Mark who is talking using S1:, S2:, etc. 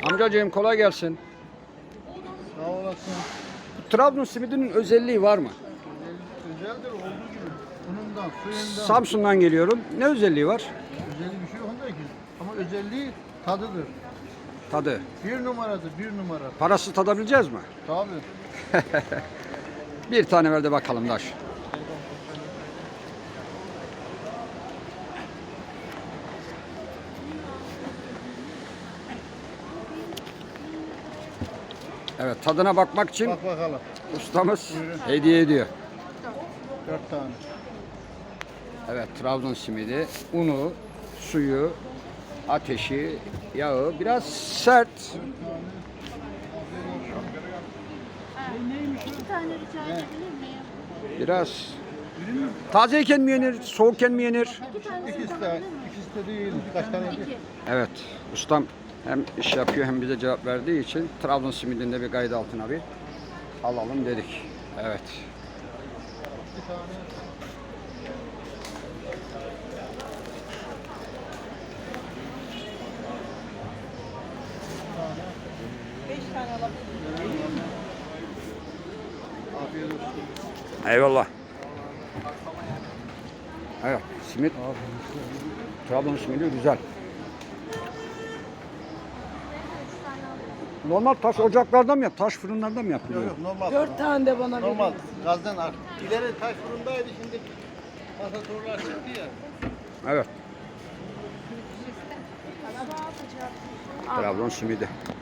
S1: Amcacığım kolay gelsin.
S2: Sağ olasın.
S1: Trabzon simidinin özelliği var mı?
S2: Özeldir olduğu gibi. Unundan, suyundan.
S1: Samsun'dan geliyorum. Ne özelliği var?
S2: Özelliği bir şey yok onda ki. Ama özelliği tadıdır.
S1: Tadı.
S2: Bir numaradır, bir numara.
S1: Parası tadabileceğiz mi?
S2: Tabii.
S1: Bir tane ver de bakalım Daş. Evet, tadına bakmak için
S2: Bak bakalım.
S1: ustamız
S2: Buyurun.
S1: hediye ediyor.
S2: 4 tane.
S1: Evet, Trabzon simidi, unu, suyu, ateşi, yağı biraz sert.
S3: İki tane rica edebilir miyim?
S1: Biraz tazeyken mi yenir, soğukken mi yenir?
S3: İki tane
S2: İkisi de değil. Kaç tane değil.
S3: İki.
S1: Evet, ustam hem iş yapıyor hem bize cevap verdiği için Trabzon simidinde bir kayıt altına bir alalım dedik. Evet.
S2: 2 tane. Afiyet olsun.
S1: Eyvallah. Evet, simit. Trabzon simidi güzel. Normal taş ocaklarda mı taş fırınlarda mı yapılıyor?
S2: Yok yok normal.
S4: 4 tane de bana
S2: Normal.
S4: verin.
S2: Gazdan ar. İleri taş fırındaydı şimdi. Pasatorlar çıktı ya.
S1: Evet. Trabzon simidi.